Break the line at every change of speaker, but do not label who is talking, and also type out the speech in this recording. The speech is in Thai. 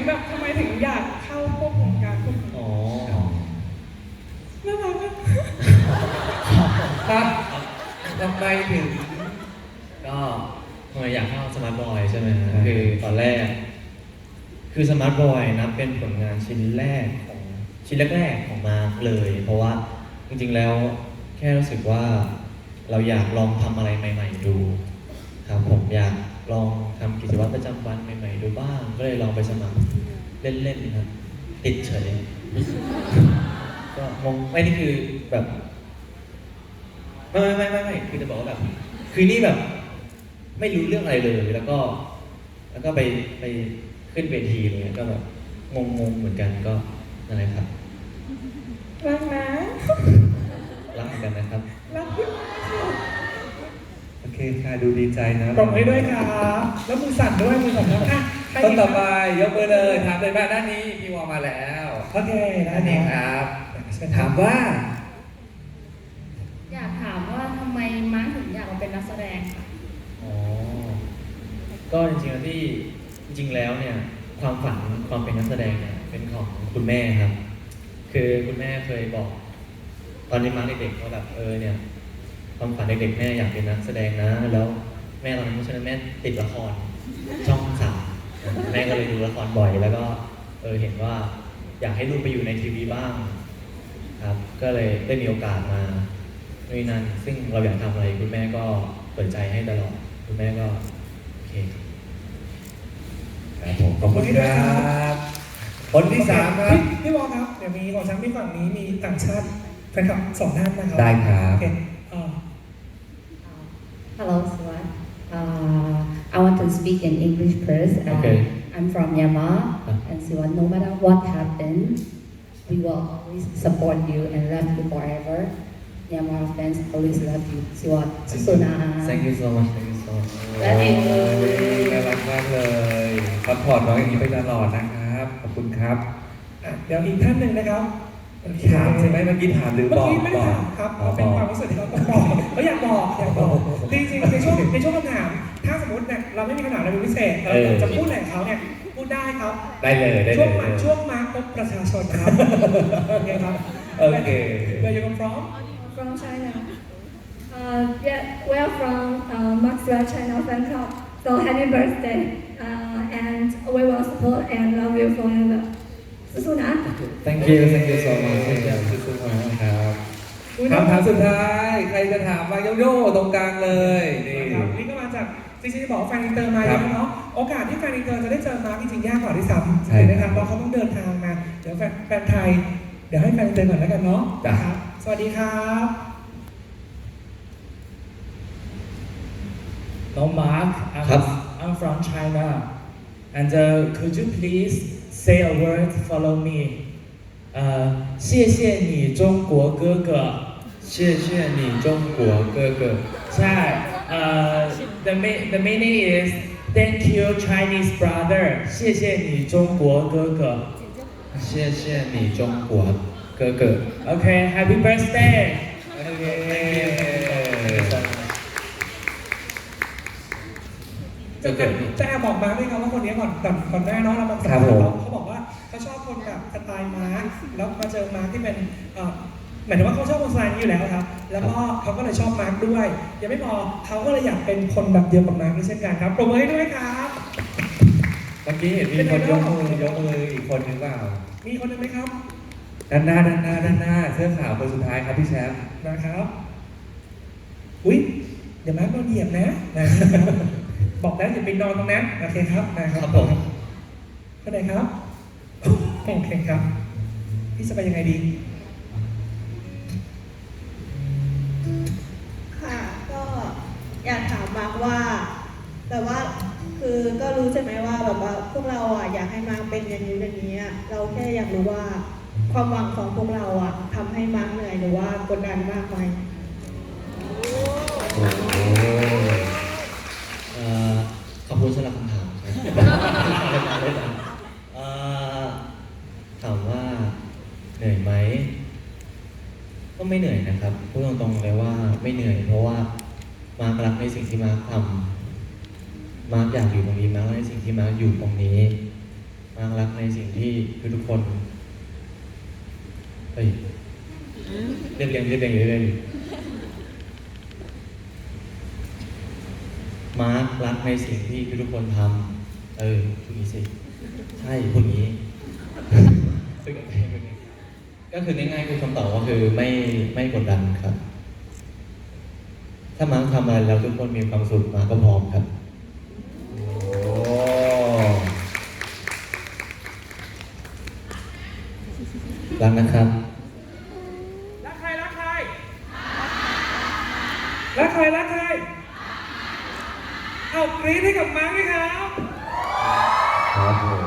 แบบทำไมถึงอยากเข้าพวกวงการพวกนี้
อ๋อ
น่ารักอะ
ครับทำไมถึง
ก็ทำไมอยากเข้าสมาร์ทบอยใช่ไหมฮะคือตอนแรก คือสมาร์ทบอยนับเป็นผลงานชิ้นแรกของชิ้นแรกๆของมาร์คเลย เพราะว่าจริงๆแล้วแค่รู้สึกว่าเราอยากลองทำอะไรใหม่ๆดูครับผมอยากลองทำกิจวัตรประจำวันใหม่ๆดูบ้าง ก็เลยลองไปสมัครเล่นๆครับติดเฉยก็งงไม่นี่คือแบบไม่คือจะบอกว่าแบบคือนี่แบบไม่รู้เรื่องอะไรเลยแล้วก็ไปขึ้นเวทีเลยก็แบบงงเหมือนกันก็นั่นแหละครับ
รักนะ
รักเหมือนกันนะครับ
รักพี่
โอเคค่ะดูดีใจนะ
ปรบมือด้วยครับแล้วมือสั่นด้วยมือสั่นแล้วอ่ะใคร
ต้น
อีก
ต่อ
ค
ไป
รับ
ยกมือเลยถามเลยว่าด้านนี้พี่วอมาแล้ว
โอเคได้
ด้านนี้
ค
ครับ รับถามว่า
อยากถามว่าทำไมมาร์คถึงอยากมาเป็นนักแสดงค่ะ
อ๋อ ก็จริงๆแล้วที่จริงๆแล้วเนี่ยความฝันความเป็นนักแสดงเนี่ยเป็นของคุณแม่ครับ คือคุณแม่เคยบอก ตอนนี้มาเด็กๆว่าแบบเนี่ยความฝันเด็กๆแม่อยากเป็นนักแสดงนะ แล้วแม่ตอนนั้นเพราะฉะนั้นแม่ติดละครช่องสามแม่ก็เลยดูละครบ่อย แล้วก็เห็นว่าอยากให้ลูกไปอยู่ในทีวีบ้างครับ ก็เลยได้มีโอกาสมาด้วยนั้นซึ่งเราอยากทำอะไรคุณแม่ก็เปิดใจให้ตลอดคุณแม่ก็โอเคครับ
ครับผมขอบคุณครับคนที่สามครับ
พี่วอลครับเดี๋ยวมีของฉันมีฝั่งนี้มีต่างชาติแฟนคลับ2 ท่านนะครับ
ได้ครับ
โอเค
Hello, Swan. I want to speak in English first.
Okay.
I'm from Myanmar, and Swan, no matter what happens, we will always support you and love you forever. Myanmar fans always love you. Swan, Susuna.
Thank you so much Thank you so much
และเองเลย
น่ารักมากเลยซัพพอร์ตน้องอย่างนี้ไปตลอดนะครับ ขอบคุณครับ
อ่ะเดี๋ยวอีกท่านหนึ่งนะครับ
ถามใช่ไหมเมื่อกี้ถามหรือ
เมื่
บ
อ
อก
กี้ไม่ได้
บอก
ถามครับ
อ๋อ
เป็น
บ
ค
อ
วาม
ก
รู้สึกที่เราต้องบอกเขาอยากบอกจริงๆในช่วงคำถาม ถ้าสมมติเนี่ยเราไม่มีคำถามอะไรเป็นพิเศษเราจะพูดอะไรกับเขาเนี่ยพูดได้ครับ
ได้เลยได้
ช่
เล
วง
ย
ช่วงมาร์คพบประชาชนครับโอเคครับ
โอเค
Where you come from
From China. Yeah, we are from Maxwell China fan club. So happy birthday, and we will support and love you forever. Susuna.
Thank you Thank you so much
ขอบคุณครับคำถามสุดท้าย ใครจะถามมาโยโย่ตรงกลางเลยนี่
ครับนี่ก็มาจากจริงๆจะบอกว่าแฟนอินเตอร์มาเยอะเนาะโอกาสที่แฟนอินเตอร์จะได้เจอมาร์คจริงๆยากกว่าที่ซ้ำ
ใช่
ถูกไหมครับเพราะเขาต้องเดินทางมาเดี๋ยวแฟนไทยเดี๋ยวให้แฟนอินเตอร์ก่อนแล้วกันเนาะ
จ้ะ
ครับสวัสดีครับ
No, Mark, I'm from China. And could you please say a word, follow me? 谢谢你中国哥哥。
谢谢你中国哥哥
ใช่ the meaning is thank you Chinese brother. 谢谢你中国哥哥。
谢谢你中国哥哥
Okay, happy birthday.
โอเค
จะแอบบอกมาด้วยครับว่าคนนี้ก่อนหน้าเนาะเราบอก
ครับผม
เขาบอกว่าเขาชอบคนแบบสไตล์มาร์คแล้วมาเจอมาร์คที่เป็นหมายถึงว่าเขาชอบคนสไตล์นี้อยู่แล้วครับ แล้วก็เขาก็เลยชอบมาร์คด้วย ยังไม่พอเขาก็เลยอยากเป็นคนแบบเดียวกับมาร์คด้วยเช่นกันครับปรบมือให้ด้วยครับ
เมื่อกี้เห็นมีคนยกมืออีกคนนึงเปล่า
มีคนหนึงไหมครับ
ด้านหน้าเสื้อขาวคนสุดท้ายครับพี่แชมป์
นะครับอุ้ยเดี๋ยวมาร์คนอนเหยียบนะครับบอกแล้วอย่าไปนอนตรงนั้นโอเคครับนะครับ
ครับผม
คนไหนครับโอเคครับพี่จะไปยังไงดี
ค่ะก็อยากถามมาร์คว่าแต่ว่าคือก็รู้ใช่ไหมว่าแบบว่าพวกเราอ่ะอยากให้มาร์คเป็นอย่างนี้อย่างนี้อะเราแค่อยากรู้ว่าความหวังของพวกเราอ่ะทำให้มาร์คเหนื่อยหรือว่ากดดันมากไหม
โอ้โห
ขอบคุณสำหรับคำถามครับถามว่าเหนื่อยไหมก็ไม่เหนื่อยนะครับพูดตรงๆเลยว่าไม่เหนื่อยเพราะว่ามาร์ครักในสิ่งที่มาร์คทำมาร์คอยากอยู่ตรงนี้มาร์คในสิ่งที่มาร์คอยู่ตรงนี้มาร์ครักในสิ่งที่ทุกคนเฮ้ยเรียบเรียงมาร์ครักในสิ่งที่ทุกคนทำพูดงี้สิใช่พูดงี้ ก็คือง่ายๆคือคำตอบก็คือไม่กดดันครับ ถ้ามาร์คทำอะไรแล้วทุกคนมีความสุขมาร์คก็พร้อมครับ
โอ้
รักนะครับ
รักใครรักใครรักใครรักใครเอากรี๊ดให้กับมาร์คด้วยครับ
ครับผม